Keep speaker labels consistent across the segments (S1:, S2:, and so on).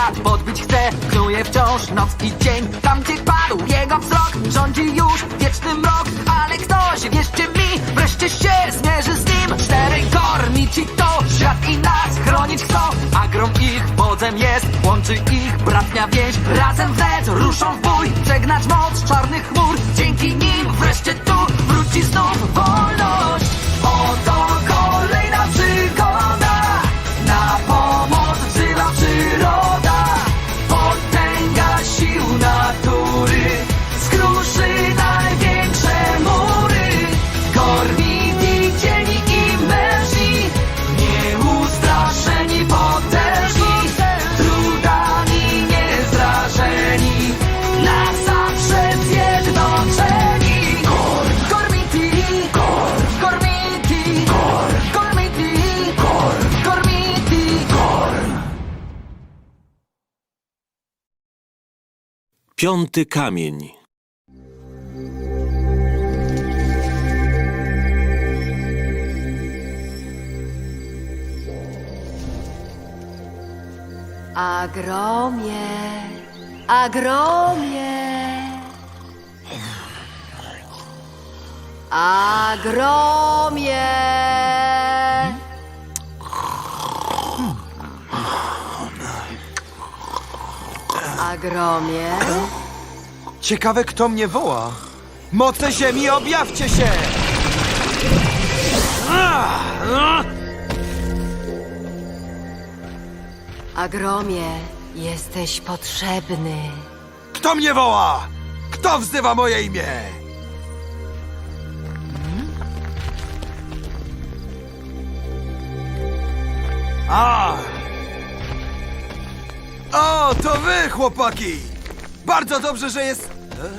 S1: świat podbić chce. Knuje wciąż noc i dzień. Tam gdzie padł jego wzrok, rządzi już wieczny mrok. Ale ktoś, wierzcie mi, wreszcie się zmierzy z nim. Czterej kornici to świat i nas chronić chcą. A grom ich wodzem jest, łączy ich bratnia więź. Razem wnet ruszą w bój, przegnać moc czarnych chmur. Dzięki nim wreszcie tu wróci znów wolność. Oto kolejna przygoda, na pomoc wzywa przyroda. Potęga sił natury skruszy największe mury. Gormiti, cieni i mężni, nieustraszeni, potężni, trudami niezrażeni, na zawsze zjednoczeni. Gormiti, Gormiti, Gormiti, Gormiti.
S2: Piąty kamień.
S3: Agromie, agromie, agromie. Agromie,
S4: Ciekawe, kto mnie woła. Moce ziemi, objawcie się!
S3: agromie, jesteś potrzebny.
S4: Kto mnie woła? Kto wzywa moje imię? A! O, to wy, chłopaki! Bardzo dobrze, że jest...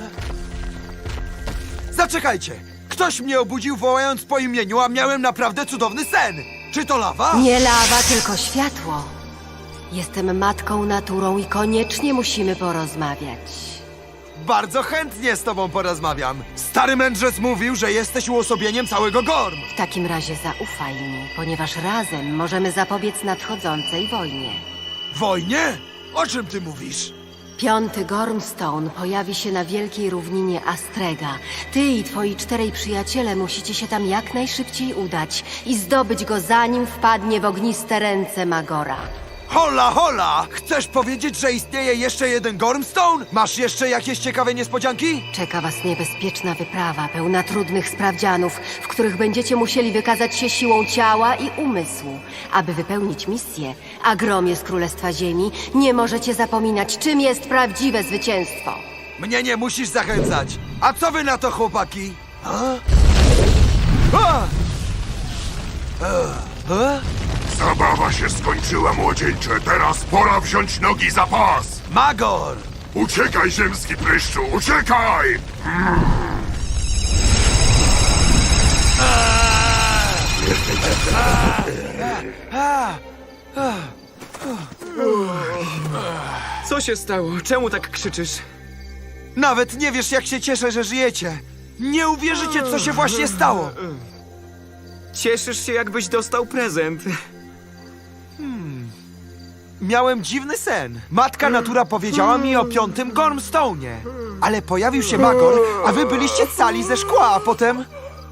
S4: Zaczekajcie! Ktoś mnie obudził, wołając po imieniu, a miałem naprawdę cudowny sen! Czy to lawa?
S3: Nie lawa, tylko światło. Jestem matką naturą i koniecznie musimy porozmawiać.
S4: Bardzo chętnie z tobą porozmawiam. Stary mędrzec mówił, że jesteś uosobieniem całego Gorm.
S3: W takim razie zaufaj mi, ponieważ razem możemy zapobiec nadchodzącej wojnie.
S4: Wojnie? O czym ty mówisz?
S3: Piąty Gormstone pojawi się na wielkiej równinie Astrega. Ty i twoi 4 przyjaciele musicie się tam jak najszybciej udać i zdobyć go, zanim wpadnie w ogniste ręce Magora.
S4: Hola, hola! Chcesz powiedzieć, że istnieje jeszcze jeden Gormstone? Masz jeszcze jakieś ciekawe niespodzianki?
S3: Czeka was niebezpieczna wyprawa, pełna trudnych sprawdzianów, w których będziecie musieli wykazać się siłą ciała i umysłu. Aby wypełnić misję, Agromie z Królestwa Ziemi, nie możecie zapominać, czym jest prawdziwe zwycięstwo.
S4: Mnie nie musisz zachęcać. A co wy na to, chłopaki? A? A! A?
S5: Zabawa się skończyła, młodzieńcze. Teraz pora wziąć nogi za pas.
S4: Magor!
S5: Uciekaj, ziemski pryszczu, uciekaj!
S6: Co się stało? Czemu tak krzyczysz?
S4: Nawet nie wiesz, jak się cieszę, że żyjecie. Nie uwierzycie, co się właśnie stało.
S6: Cieszysz się, jakbyś dostał prezent.
S4: Miałem dziwny sen. Matka natura powiedziała mi o 5. Gormstone'ie. Ale pojawił się Magor, a wy byliście cali ze szkła, a potem...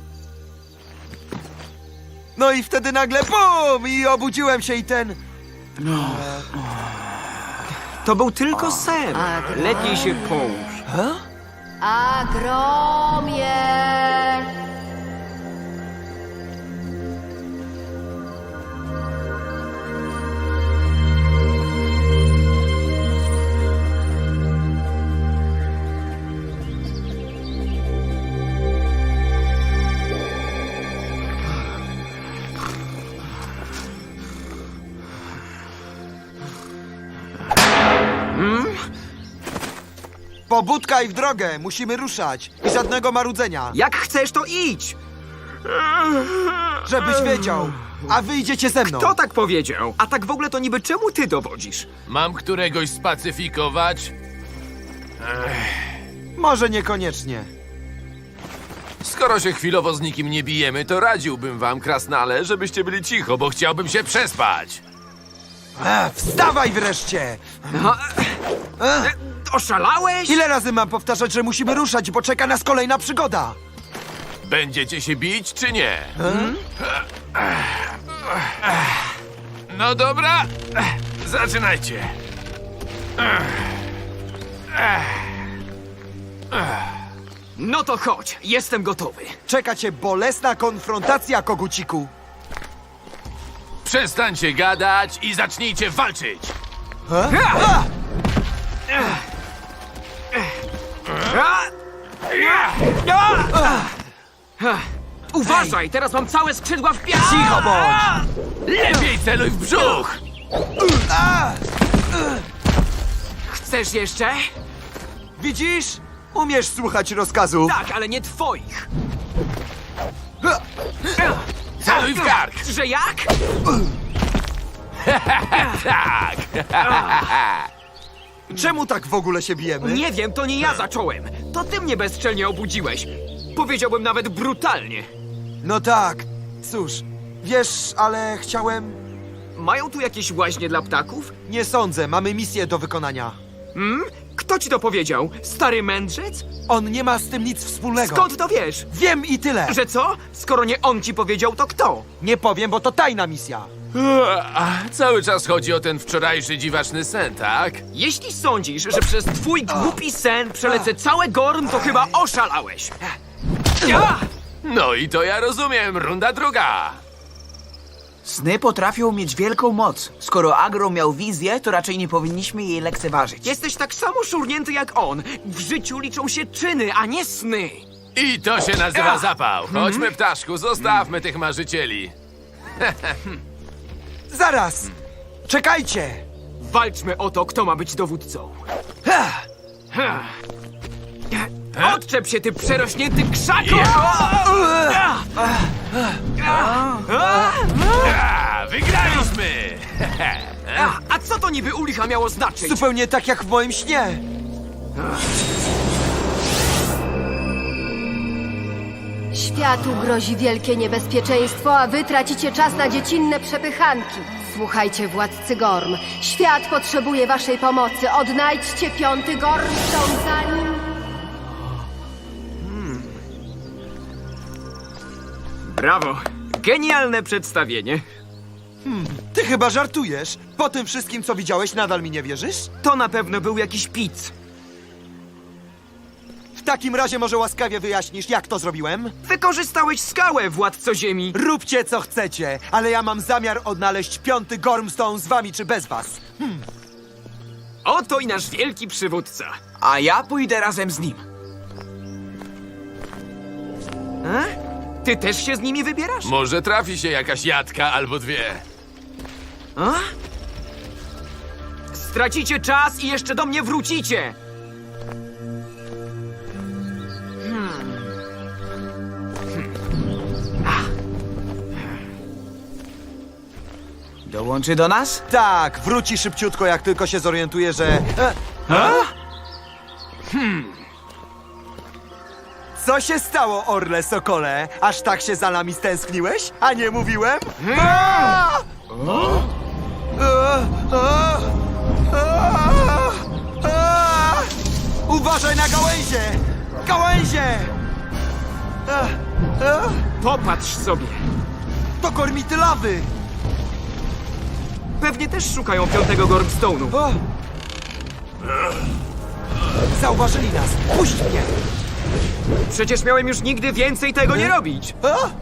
S4: No i wtedy nagle BUM! I obudziłem się i ten...
S6: To był tylko sen. Lepiej się połóż.
S3: Agromie!
S4: Pobudka i w drogę! Musimy ruszać! I żadnego marudzenia!
S6: Jak chcesz, to idź!
S4: Żebyś wiedział! A wy idziecie ze mną!
S6: Kto tak powiedział? A tak w ogóle to niby czemu ty dowodzisz?
S7: Mam któregoś spacyfikować?
S4: Może niekoniecznie.
S7: Skoro się chwilowo z nikim nie bijemy, to radziłbym wam, krasnale, żebyście byli cicho, bo chciałbym się przespać.
S4: Wstawaj wreszcie!
S6: Oszalałeś?
S4: Ile razy mam powtarzać, że musimy ruszać, bo czeka nas kolejna przygoda?
S7: Będziecie się bić, czy nie? No dobra, zaczynajcie.
S6: No to chodź, jestem gotowy.
S4: Czeka cię bolesna konfrontacja, koguciku.
S7: Przestańcie gadać i zacznijcie walczyć.
S6: Uważaj, teraz mam całe skrzydła w piach!
S4: Cicho bądź!
S7: Lepiej celuj w brzuch!
S6: Chcesz jeszcze?
S4: Widzisz? Umiesz słuchać rozkazów.
S6: Tak, ale nie twoich.
S7: Celuj w kark!
S6: Że jak?
S7: Tak!
S4: Czemu tak w ogóle się bijemy?
S6: Nie wiem, to nie ja zacząłem. To ty mnie bezczelnie obudziłeś. Powiedziałbym nawet brutalnie.
S4: No tak. Cóż, wiesz, ale chciałem...
S6: Mają tu jakieś łaźnie dla ptaków?
S4: Nie sądzę, mamy misję do wykonania.
S6: Kto ci to powiedział? Stary mędrzec?
S4: On nie ma z tym nic wspólnego.
S6: Skąd to wiesz?
S4: Wiem i tyle.
S6: Że co? Skoro nie on ci powiedział, to kto?
S4: Nie powiem, bo to tajna misja.
S7: Cały czas chodzi o ten wczorajszy dziwaczny sen, tak?
S6: Jeśli sądzisz, że przez twój głupi sen przelecę całe Gorn, to chyba oszalałeś.
S7: No i to ja rozumiem, runda druga.
S8: Sny potrafią mieć wielką moc. Skoro Agro miał wizję, to raczej nie powinniśmy jej lekceważyć.
S6: Jesteś tak samo szurnięty jak on. W życiu liczą się czyny, a nie sny.
S7: I to się nazywa zapał. Chodźmy, ptaszku, zostawmy tych marzycieli.
S4: Zaraz! Czekajcie!
S6: Walczmy o to, kto ma być dowódcą. Odczep się, ty przerośnięty krzaku!
S7: Wygraliśmy!
S6: A co to niby u licha miało znaczyć?
S4: Zupełnie tak jak w moim śnie.
S3: Światu grozi wielkie niebezpieczeństwo, a wy tracicie czas na dziecinne przepychanki. Słuchajcie, władcy Gorm. Świat potrzebuje waszej pomocy. Odnajdźcie 5. Gormstone zanim...
S6: Brawo! Genialne przedstawienie.
S4: Ty chyba żartujesz. Po tym wszystkim, co widziałeś, nadal mi nie wierzysz?
S6: To na pewno był jakiś pic.
S4: W takim razie może łaskawie wyjaśnisz, jak to zrobiłem?
S6: Wykorzystałeś skałę, władco ziemi.
S4: Róbcie, co chcecie, ale ja mam zamiar odnaleźć 5. Gormstone z wami czy bez was.
S6: Oto i nasz wielki przywódca.
S8: A ja pójdę razem z nim.
S6: Ty też się z nimi wybierasz?
S7: Może trafi się jakaś jadka albo dwie.
S6: Stracicie czas i jeszcze do mnie wrócicie!
S8: Dołączy do nas?
S4: Tak, wróci szybciutko, jak tylko się zorientuje, że... Co się stało, Orle Sokole? Aż tak się za nami stęskniłeś? A nie mówiłem? Uważaj na gałęzie! Gałęzie!
S6: Popatrz sobie.
S4: To kormity lawy!
S6: Pewnie też szukają 5. Gormstone'u.
S4: O! Zauważyli nas! Puść mnie!
S6: Przecież miałem już nigdy więcej tego nie robić.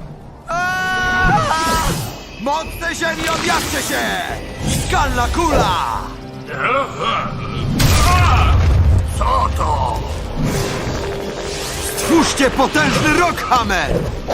S4: Mocne ziemi, objaście się! Skalna kula!
S5: Co to?
S4: Stwórzcie potężny Rockhammer!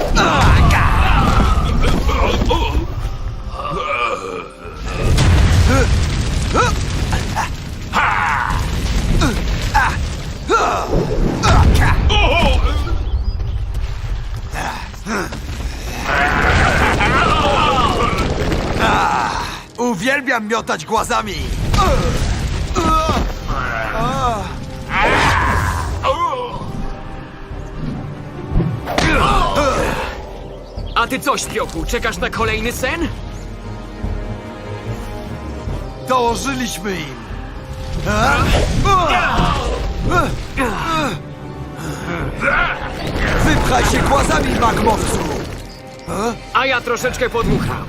S4: Uwielbiam miotać głazami!
S6: A ty co, śpiochu, czekasz na kolejny sen?
S4: dołożyliśmy im. Wypchaj się głazami, magmowcu!
S6: A ja troszeczkę podmucham.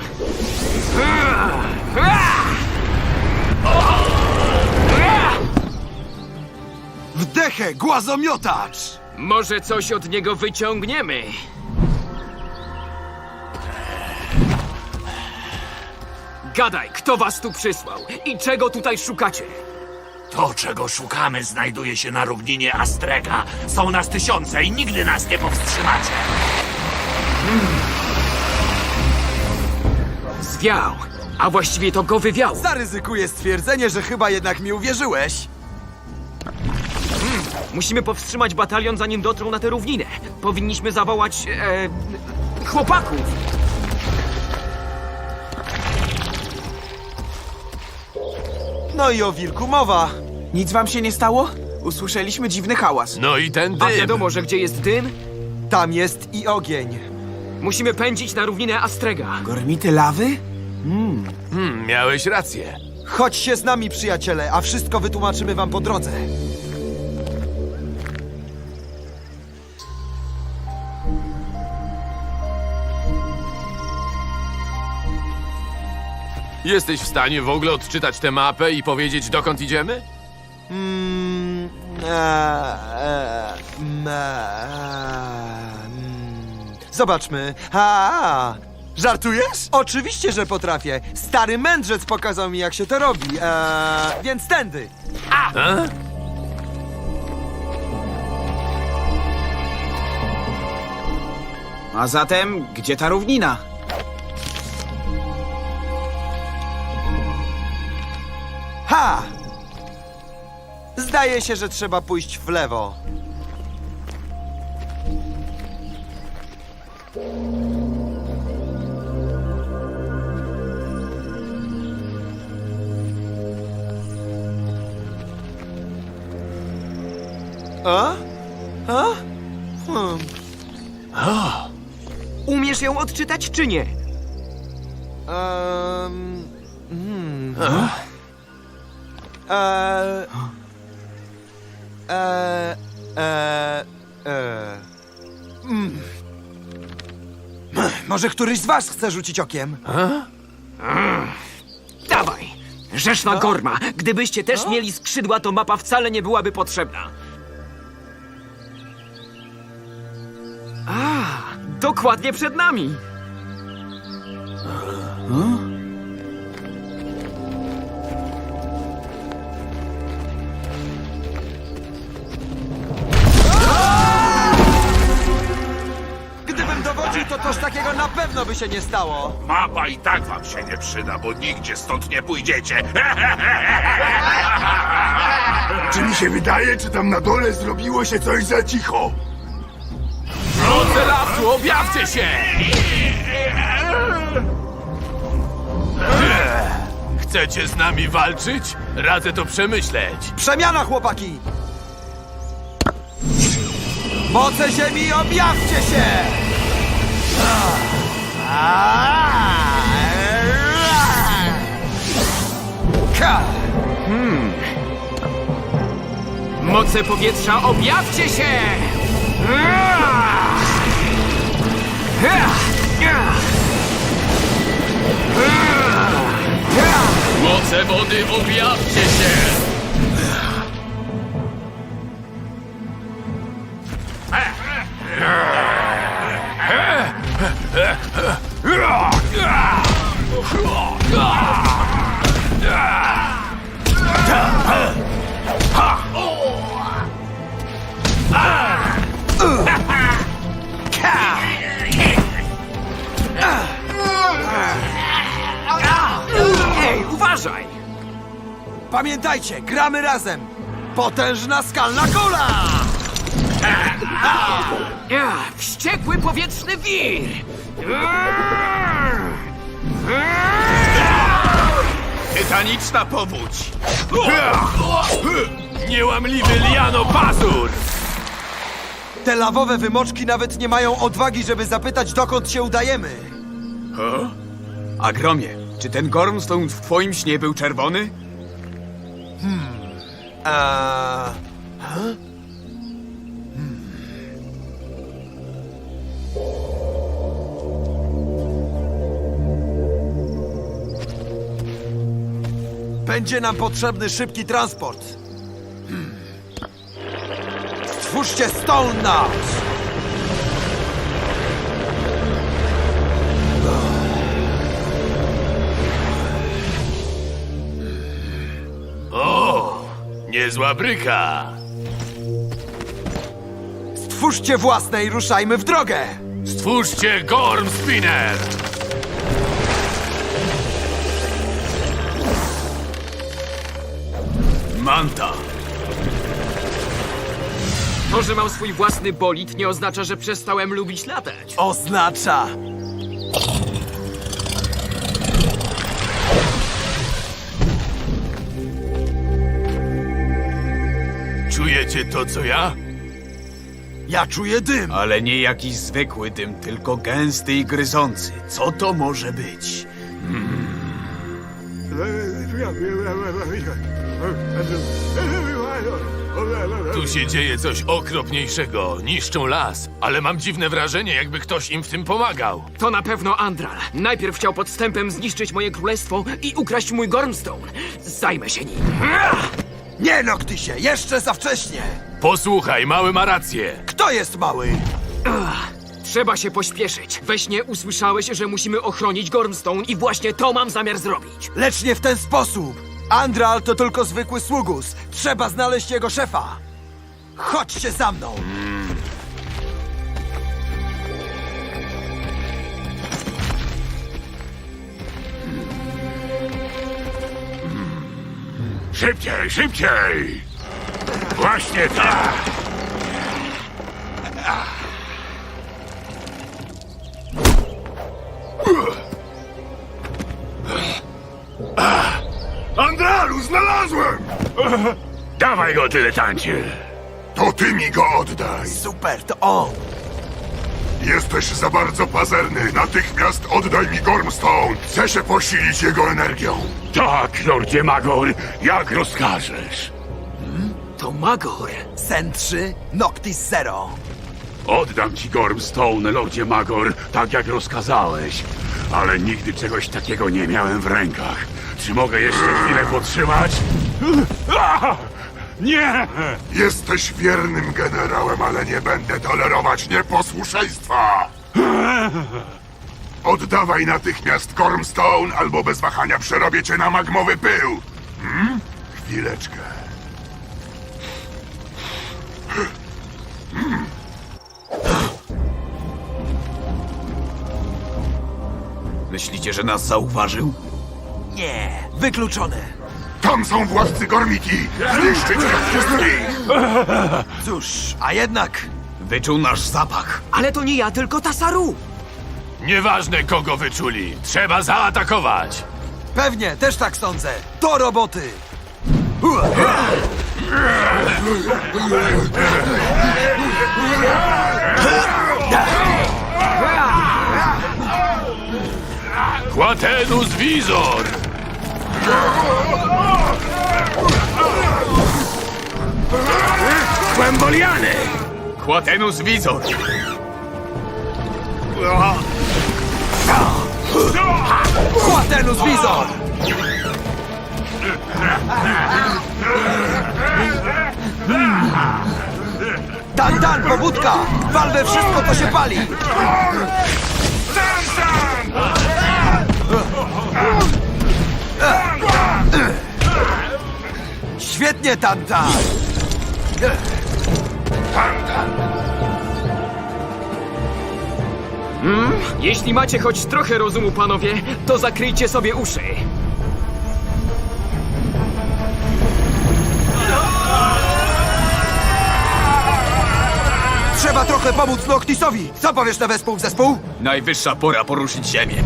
S4: Wdechę, głazomiotacz!
S6: Może coś od niego wyciągniemy. Gadaj, kto was tu przysłał i czego tutaj szukacie?
S9: To, czego szukamy, znajduje się na równinie Astrega. Są nas tysiące i nigdy nas nie powstrzymacie.
S6: Zwiał, a właściwie to go wywiało.
S4: Zaryzykuję stwierdzenie, że chyba jednak mi uwierzyłeś.
S6: Musimy powstrzymać batalion, zanim dotrą na tę równinę. Powinniśmy zawołać... chłopaków.
S4: No i o wilku mowa.
S8: Nic wam się nie stało? Usłyszeliśmy dziwny hałas.
S7: No i ten
S6: A
S7: dym.
S6: wiadomo, że gdzie jest dym,
S4: Tam jest i ogień.
S6: musimy pędzić na równinę Astrega.
S8: Gormity lawy?
S7: Miałeś rację.
S4: Chodź się z nami, przyjaciele, a wszystko wytłumaczymy wam po drodze.
S7: Jesteś w stanie w ogóle odczytać tę mapę i powiedzieć, dokąd idziemy?
S4: Zobaczmy. Żartujesz? Oczywiście, że potrafię. Stary mędrzec pokazał mi, jak się to robi. Więc tędy.
S8: A zatem, gdzie ta równina?
S4: Ha! Zdaje się, że trzeba pójść w lewo. A? A?
S6: Umiesz ją odczytać czy nie?
S4: Um, Może któryś z was chce rzucić okiem?
S6: Dawaj! Rzeszna Gorma! Gdybyście też mieli skrzydła, to mapa wcale nie byłaby potrzebna. A, dokładnie przed nami!
S4: Gdybym dowodził, to coś takiego na pewno by się nie stało.
S5: Mapa i tak wam się nie przyda, bo nigdzie stąd nie pójdziecie. Czy mi się wydaje, czy tam na dole zrobiło się coś za cicho?
S7: Moce lasu, objawcie się! Chcecie z nami walczyć? Radzę to przemyśleć.
S4: Przemiana, chłopaki! Moce ziemi, objawcie się!
S6: Moce powietrza, objawcie się!
S7: Moce wody, objawcie się!
S6: Ej, uważaj!
S4: Pamiętajcie, gramy razem! Potężna skalna kula!
S6: Wściekły powietrzny wir!
S7: Tytaniczna powódź! Niełamliwy liano pazur!
S4: Te lawowe wymoczki nawet nie mają odwagi, żeby zapytać, dokąd się udajemy.
S8: Agromie, Czy ten Gormstone w twoim śnie był czerwony?
S4: Będzie nam potrzebny szybki transport. Stwórzcie Stone Nut!
S7: O, niezła bryka.
S4: Stwórzcie własne i ruszajmy w drogę!
S7: Stwórzcie Gorm Spinner.
S8: Manta.
S6: To, że mam swój własny bolid, nie oznacza, że przestałem lubić latać.
S4: Oznacza...
S7: Czujecie to, co ja?
S4: Ja czuję dym!
S8: Ale nie jakiś zwykły dym, tylko gęsty i gryzący. Co to może być?
S7: Tu się dzieje coś okropniejszego. Niszczą las, ale mam dziwne wrażenie, jakby ktoś im w tym pomagał.
S6: To na pewno Andral. Najpierw chciał podstępem zniszczyć moje królestwo i ukraść mój Gormstone. Zajmę się nim.
S4: Nie Noctisie, jeszcze za wcześnie!
S7: Posłuchaj, mały ma rację.
S4: Kto jest mały?
S6: Trzeba się pośpieszyć. We śnie usłyszałeś, że musimy ochronić Gormstone i właśnie to mam zamiar zrobić.
S4: Lecz nie w ten sposób! Andral to tylko zwykły sługus. Trzeba znaleźć jego szefa. Chodźcie za mną!
S5: Szybciej, szybciej! Właśnie tak! Andralu, znalazłem! Dawaj go, dyletancie! To ty mi go oddaj!
S4: Super, to on!
S5: Jesteś za bardzo pazerny! Natychmiast oddaj mi Gormstone! Chcę się posilić jego energią! Tak, Lordzie Magor, jak rozkażesz!
S6: To Magor.
S4: Sen 3, Noctis 0.
S5: Oddam ci Gormstone, Lordzie Magor, tak jak rozkazałeś. Ale nigdy czegoś takiego nie miałem w rękach. Czy mogę jeszcze chwilę potrzymać? Nie! Jesteś wiernym generałem, ale nie będę tolerować nieposłuszeństwa! Oddawaj natychmiast Gormstone, albo bez wahania przerobię cię na magmowy pył! Chwileczkę.
S8: Myślicie, że nas zauważył?
S4: Nie, wykluczone.
S5: Tam są władcy Gormiti! Zniszczyć ich wszystkich!
S4: Cóż, a jednak...
S8: Wyczuł nasz zapach.
S6: Ale to nie ja, tylko Tasaru.
S7: Nieważne, kogo wyczuli. Trzeba zaatakować.
S4: Pewnie, też tak sądzę. Do roboty!
S7: Quatenus Visor!
S8: Głęboliany! Quatenus Visor!
S4: Quatenus Visor! Dan, pobudka! Wal we wszystko, to się pali! Świetnie, Tantan!
S6: Jeśli macie choć trochę rozumu, panowie, to zakryjcie sobie uszy.
S4: Trzeba trochę pomóc Noctisowi! Co powiesz na wespół w zespół?
S8: Najwyższa pora poruszyć ziemię.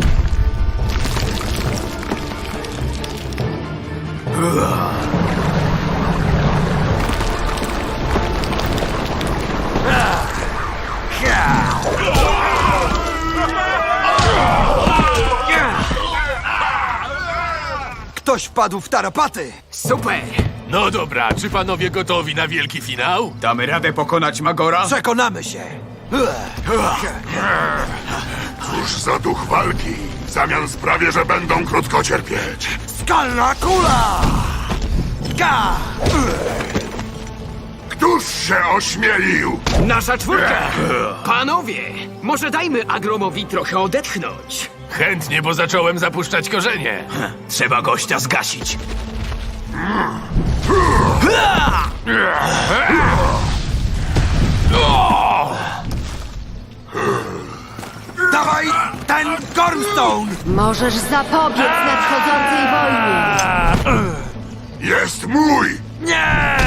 S4: Ktoś wpadł w tarapaty!
S6: Super!
S7: No dobra, czy panowie gotowi na wielki finał?
S8: Damy radę pokonać Magora?
S4: Przekonamy się!
S5: Cóż za duch walki. W zamian sprawię, że będą krótko cierpieć.
S4: Skalna kula! Ka!
S5: Któż się ośmielił?
S6: Nasza czwórka! Panowie, może dajmy Agromowi trochę odetchnąć.
S7: Chętnie, bo zacząłem zapuszczać korzenie.
S9: Trzeba gościa zgasić.
S4: Dawaj ten Gormstone!
S3: Możesz zapobiec nadchodzącej wojnie.
S5: Jest mój!
S4: Nie!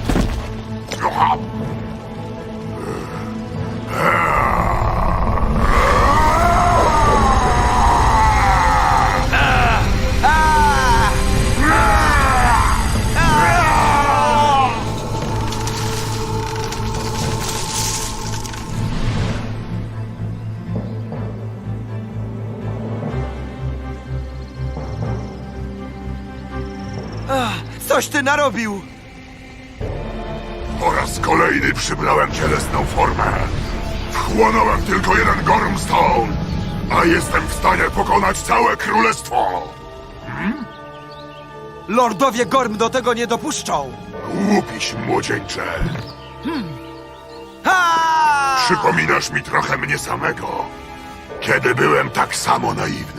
S4: Coś ty narobił!
S5: Po raz kolejny przybrałem cielesną formę. Wchłonąłem tylko jeden Gormstone, a jestem w stanie pokonać całe królestwo.
S4: Lordowie Gorm do tego nie dopuszczą!
S5: Łupiś, młodzieńcze.
S4: Ha!
S5: Przypominasz mi trochę mnie samego, kiedy byłem tak samo naiwny.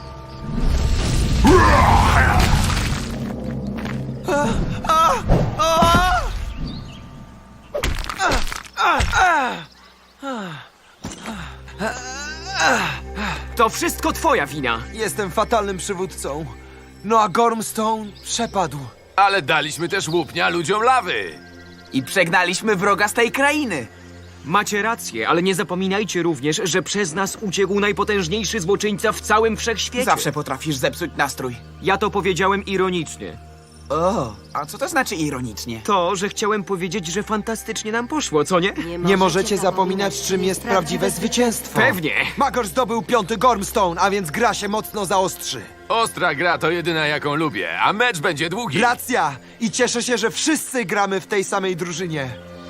S6: To wszystko twoja wina.
S4: Jestem fatalnym przywódcą. No a Gormstone przepadł.
S7: Ale daliśmy też łupnia ludziom lawy.
S8: I przegnaliśmy wroga z tej krainy.
S6: Macie rację, ale nie zapominajcie również, że przez nas uciekł najpotężniejszy złoczyńca w całym wszechświecie.
S8: Zawsze potrafisz zepsuć nastrój.
S6: Ja to powiedziałem ironicznie.
S8: O, a co to znaczy ironicznie?
S6: To, że chciałem powiedzieć, że fantastycznie nam poszło, co nie?
S4: Nie możecie zapominać, czym jest prawdziwe zwycięstwo.
S6: Pewnie.
S4: Magor zdobył 5. Gormstone, a więc gra się mocno zaostrzy.
S7: Ostra gra to jedyna, jaką lubię, a mecz będzie długi.
S4: Racja! I cieszę się, że wszyscy gramy w tej samej drużynie.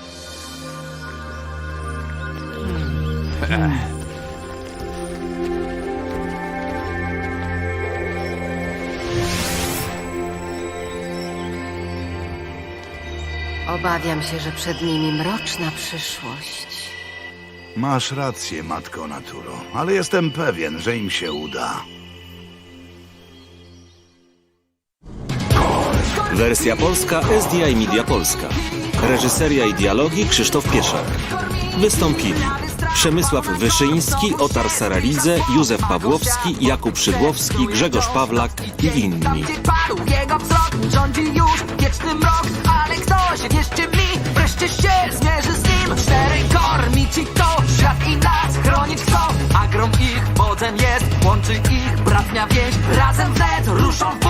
S3: Obawiam się, że przed nimi mroczna przyszłość.
S10: Masz rację, Matko Naturo, ale jestem pewien, że im się uda.
S2: Wersja polska SDI Media Polska. Reżyseria i dialogi Krzysztof Pieszak. Wystąpili Przemysław Wyszyński, Otar Saralidze, Józef Pawłowski, Jakub Szydłowski, Grzegorz Pawlak i inni.
S1: Gdzie padł jego wzrok, rządzi już wieczny mrok, ale ktoś, wierzcie mi, wreszcie się zmierzy z nim. 4 kormi ci to, świat i nas chronić chcą. Agrom ich wodzem jest, łączy ich bratnia więź. Razem wnet ruszą